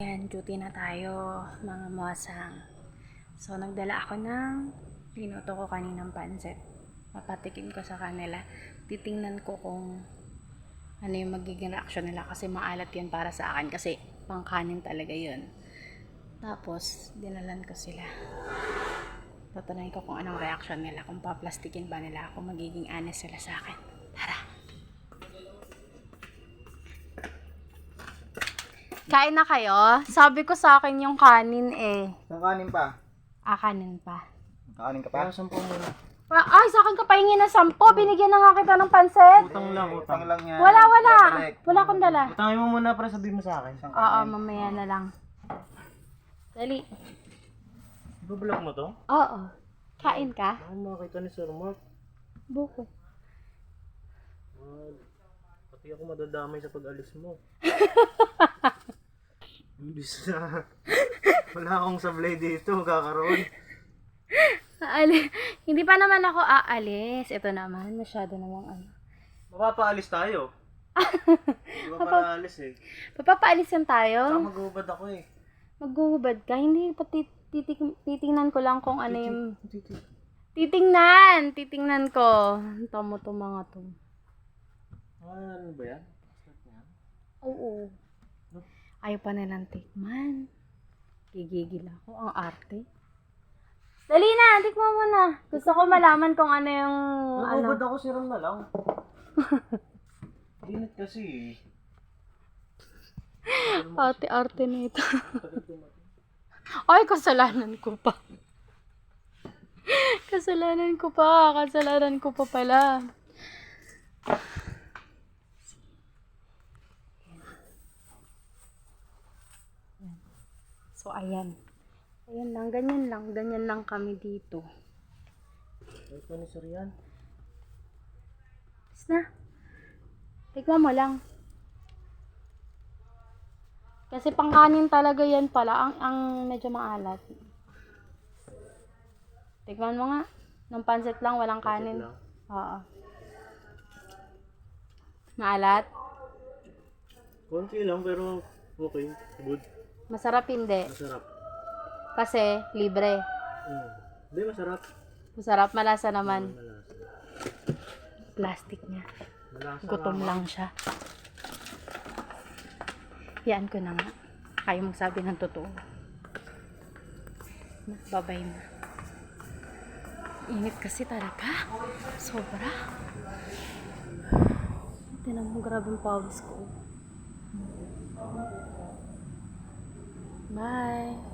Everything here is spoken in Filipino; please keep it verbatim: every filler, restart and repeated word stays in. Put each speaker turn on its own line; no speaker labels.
Ayan, duty na tayo mga mosang. So, nagdala ako ng pinuto ko kaninang pansit. Mapatikim ko sa kanila. Titingnan ko kung ano yung magiging reaction nila kasi maalat yan para sa akin kasi pangkanin talaga yun. Tapos, dinalan ko sila. Tatanungin ko kung anong reaction nila, kung paplastikin ba nila ako, magiging honest sila sa akin. Tara! Kain na kayo? Sabi ko sa akin yung kanin eh.
Saan kanin pa?
Ah, kanin pa.
Kakanin ka pa?
Kaya sampo muna.
Pa- Ay, sa akin ka pahingi ng sampo. Binigyan na nga kita ng pansit.
Utang lang, utang.
lang yan.
Wala, wala.
Babalik.
Wala akong dala.
Utangin mo muna para sabihin mo sa akin.
Saan
Oo,
kanin?
mamaya na lang. Dali.
Ibablock mo to?
Oo. Kain ka?
Baka makakita ni Sir Mark.
Buko.
Ah, pati ako madadamay sa pag-alis mo. Imbis na wala akong sablay dito, kakaroon.
Aali. Hindi pa naman ako aalis. Ito naman, masyado namang ano.
Mapapaalis tayo. Di ba pala alis eh?
Papapaalis yan
Saka
tayo.
mag-uubad ako eh.
Maghuhubad ka. Hindi, pati titik, titingnan ko lang kung ano yung...
Titi.
Titingnan! Titingnan ko. Tamo to mga to.
Ah, ano ba yan? Start na yan?
Oo.
No?
Ayaw pa nilang tikman. Gigigil ako. Ang arte. Dali na, tikman mo na. Gusto ko malaman kung ano yung... ano.
Mag-uubad ako, siram na lang. Init kasi eh.
Arte-arte na ito.
Tagal dumating.
Ay, kasalanan ko pa. Kasalanan ko pa. Kasalanan ko pa pala. So, ayan. Ayan lang. Ganyan lang. Ganyan lang kami dito.
Wait pa ni Sir yan.
Tapos na. Tikman mo lang. Kasi pangkanin talaga yan pala. Ang, ang medyo maalat. Tikman mo nga. Nung pansit lang, walang kanin.
lang.
Oo. Maalat?
Konti lang pero okay. Good.
Masarap hindi.
Masarap.
Kasi libre.
Hmm. Hindi, masarap.
Masarap, malasa naman.
Malasa.
Plastic niya.
Malasa
Gutom
nga.
lang siya. Yan ko na nga. Kayo magsabi ng totoo. Na, babay na. Init kasi talaga. Sobra. Tinan mo, grabe yung pawis ko. Bye.